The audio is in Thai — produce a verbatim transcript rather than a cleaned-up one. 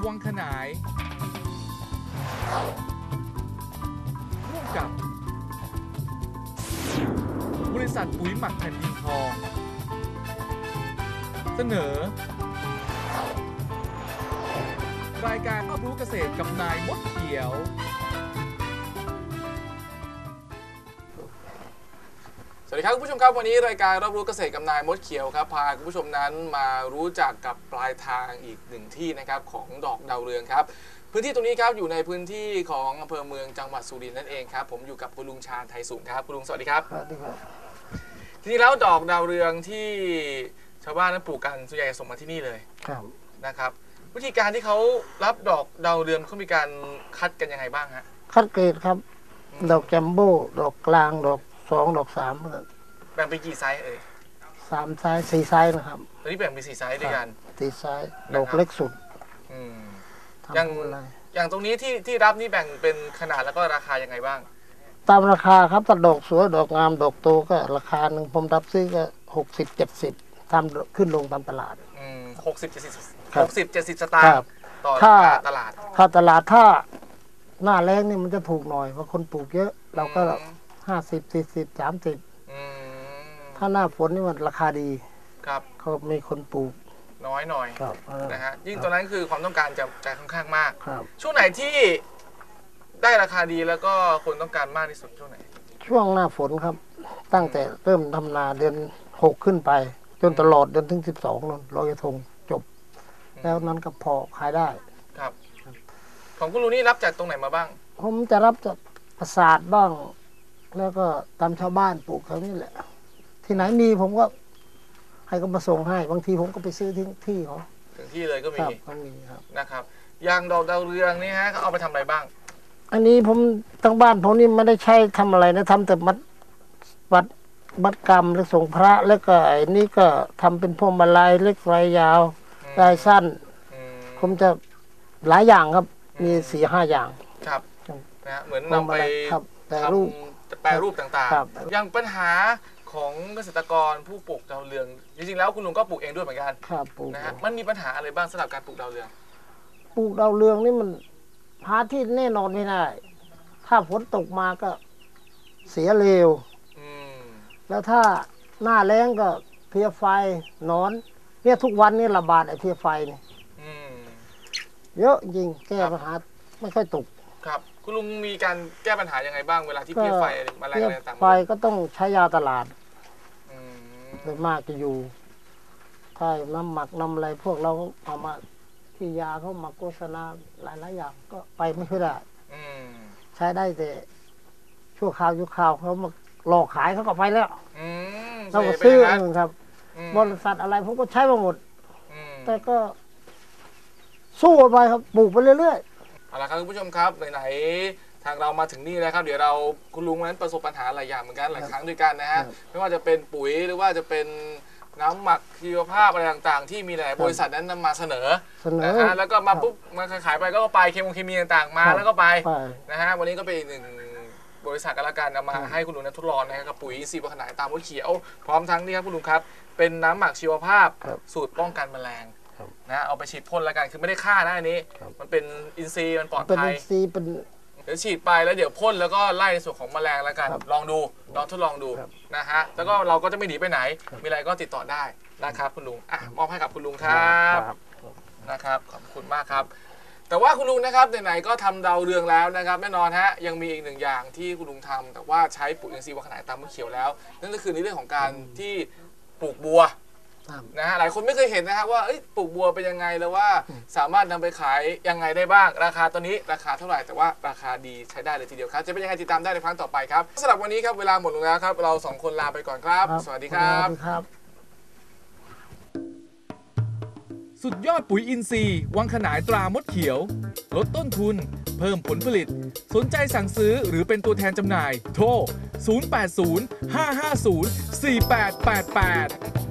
วังขนายร่วมกับบริษัทปุ๋ยหมักแผ่นดินทองเสนอรายการรอบรู้เกษตรกับนายมดเขียวสวัสดีครับคุณผู้ชมครับวันนี้รายการรอบรู้เกษตรกับนายมดเขียวครับพาคุณผู้ชมนั้นมารู้จักกับปลายทางอีกหนึ่งที่นะครับของดอกดาวเรืองครับพื้นที่ตรงนี้ครับอยู่ในพื้นที่ของอำเภอเมืองจังหวัดสุรินทร์นั่นเองครับผมอยู่กับคุณลุงชาญไทยสูงครับคุณลุงสวัสดีครับสวัสดีครับทีนี้แล้วดอกดาวเรืองที่ชาวบ้านนั้นปลูกกันส่วนใหญ่ส่งมาที่นี่เลยครับนะครับวิธีการที่เขารับดอกดาวเรืองเขามีการคัดกันยังไงบ้างฮะคัดเกรดครับดอกจัมโบ้ดอกกลางดอกสองดอกสามแบ่งเป็นกี่ไซส์เอ่ยสามไซส์สี่ไซส์นะครับตอนนี้แบ่งเป็นสี่ไซส์ด้วยกันสี่ไซส์ดอกเล็กสุดอย่างอย่างตรงนี้ที่ที่รับนี่แบ่งเป็นขนาดแล้วก็ราคายังไงบ้างตามราคาครับถ้าดอกสวยดอกงามดอกโตก็ราคาหนึ่งผมรับซื้อก็หกสิบเจ็ดสิบทำขึ้นลงตามตลาดหกสิบเจ็ดสิบหกสิบเจ็ดสิบสตางค์ต่อตลาดถ้าตลาดถ้าหน้าแรงนี่มันจะถูกหน่อยเพราะคนปลูกเยอะเราก็ห้าสิบสี่สิบสามสิบถ้าหน้าฝนนี่มันราคาดีครับเขามีคนปลูกน้อยหน่อยนะฮะยิ่งตอนนั้นคือความต้องการจะจะค่อนข้างมากครับช่วงไหนที่ได้ราคาดีแล้วก็คนต้องการมากที่สุดช่วงไหนช่วงหน้าฝนครับตั้งแต่เริ่มทำนาเดือนหกขึ้นไปจนตลอดจนถึงสิบสองนนลอยกระทงจบแล้วนั้นก็พอขายได้ครับของคุณลุงนี่รับจากตรงไหนมาบ้างผมจะรับจากปราสาทบ้างแล้วก็ตามชาวบ้านปลูกเขานี่แหละที่ไหนมีผมก็ให้เขามาส่งให้บางทีผมก็ไปซื้อที่ที่เขาถึงที่เลยก็มีก็มีครับนะครับยางดอกดาวเรืองนี่ฮะเขาเอาไปทำอะไรบ้างอันนี้ผมทั้งบ้านผมนี่ไม่ได้ใช้ทำอะไรนะทำแต่มัดวัดมัดกรรมแล้วส่งพระแล้วก็ไอ้นี่ก็ทำเป็นพวงมาลัยเล็กไรยาวลายสั้นผมจะหลายอย่างครับมีสี่ห้าอย่างครับนะเหมือนนำไปแปรรูปแปรรูปต่างๆอย่างปัญหาของเกษตรกรผู้ปลูกดาวเรืองจริงๆแล้วคุณลุงก็ปลูกเองด้วยเหมือนกันครับปลูกนะฮะมันมีปัญหาอะไรบ้างสำหรับการปลูกดาวเรืองปลูกดาวเรืองนี่มันหาที่แน่นอนไม่ได้ถ้าฝนตกมาก็เสียเร็วแล้วถ้าหน้าแล้งก็เพี้ยไฟนอนเนี่ยทุกวันนี่ระบาดไอ้เพี้ยไฟนี่เยอะจริงแก้ปัญหาไม่ค่อยตกครับคุณลุงมีการแก้ปัญหายังไงบ้างเวลาที่เพี้ยไฟมาแรงอะไรต่างๆไฟก็ต้องใช้ยาตลาดโดยมากจะอยู่ถ้าน้ำหมักน้ำอะไรพวกเราเอามาที่ยาเขามาโฆษณาหลายๆอย่างก็ไปไม่ค่อยได้ใช้ได้แต่ชั่วคราวชั่วคราวเขามาหลอกขายเขาก็ไปแล้วเราก็ซื้อเองครับบริษัทอะไรผมก็ใช้มาหมดแต่ก็สู้ไปครับปลูกไปเรื่อยๆเอาละครับคุณผู้ชมครับไหนๆทางเรามาถึงนี่แล้วครับเดี๋ยวเราคุณลุงนั้นประสบปัญหาหลายอย่างเหมือนกันหลายครั้งด้วยกันนะฮะไม่ว่าจะเป็นปุ๋ยหรือว่าจะเป็นน้ำหมักชีวภาพอะไรต่างๆที่มีหลายบริษัทนั้นนำมาเสนอนะฮะแล้วก็มาปุ๊บมาขายไปก็ไปเคมีเคมีต่างๆมาแล้วก็ไปนะฮะวันนี้ก็เป็นอีกหนึ่งบริษัทกันละกันนำมาให้คุณลุงนั้นทดลองนะครับกับปุ๋ยอินทรีย์วังขนายตามมดเขียวพร้อมทั้งนี่ครับคุณลุงครับเป็นน้ำหมักชีวภาพสูตรป้องกันแมลงนะเอาไปฉีดพ่นละกันคือไม่ได้ฆ่านะอันนี้มันเป็นอินทรีย์มันปลอดภัยเป็นอินทรีย์เป็นเดี๋ยวฉีดไปแล้วเดี๋ยวพ่นแล้วก็ไล่ในส่วนของแมลงแล้วกันลองดูลองทดลองดูนะฮะแล้วก็เราก็จะไม่หนีไปไหนมีอะไรก็ติดต่อได้นะครับคุณลุงอ่ะมอบให้กับคุณลุงครับนะครับขอบคุณมากครับแต่ว่าคุณลุงนะครับไหนๆก็ทำดาวเรืองแล้วนะครับแน่นอนฮะยังมีอีกหนึ่งอย่างที่คุณลุงทำแต่ว่าใช้ปุ๋ยอินทรีย์วังขนายตามมดเขียวแล้วนั่นก็คือในเรื่องของการที่ปลูกบัวนะฮะหลายคนไม่เคยเห็นนะฮะว่าปลูกบัวเป็นยังไงแล้วว่าสามารถนำไปขายยังไงได้บ้างราคาตัวนี้ราคาเท่าไหร่แต่ว่าราคาดีใช้ได้เลยทีเดียวครับจะเป็นยังไงติดตามได้ในครั้งต่อไปครับสำหรับวันนี้ครับเวลาหมดลงแล้วครับเราสองคนลาไปก่อนครับสวัสดีครับสุดยอดปุ๋ยอินทรีย์วังขนายตรามดเขียวลดต้นทุนเพิ่มผลผลิตสนใจสั่งซื้อหรือเป็นตัวแทนจำหน่ายโทรศูนย์ แปด ศูนย์ ห้า ห้า ศูนย์ สี่ แปด แปด แปด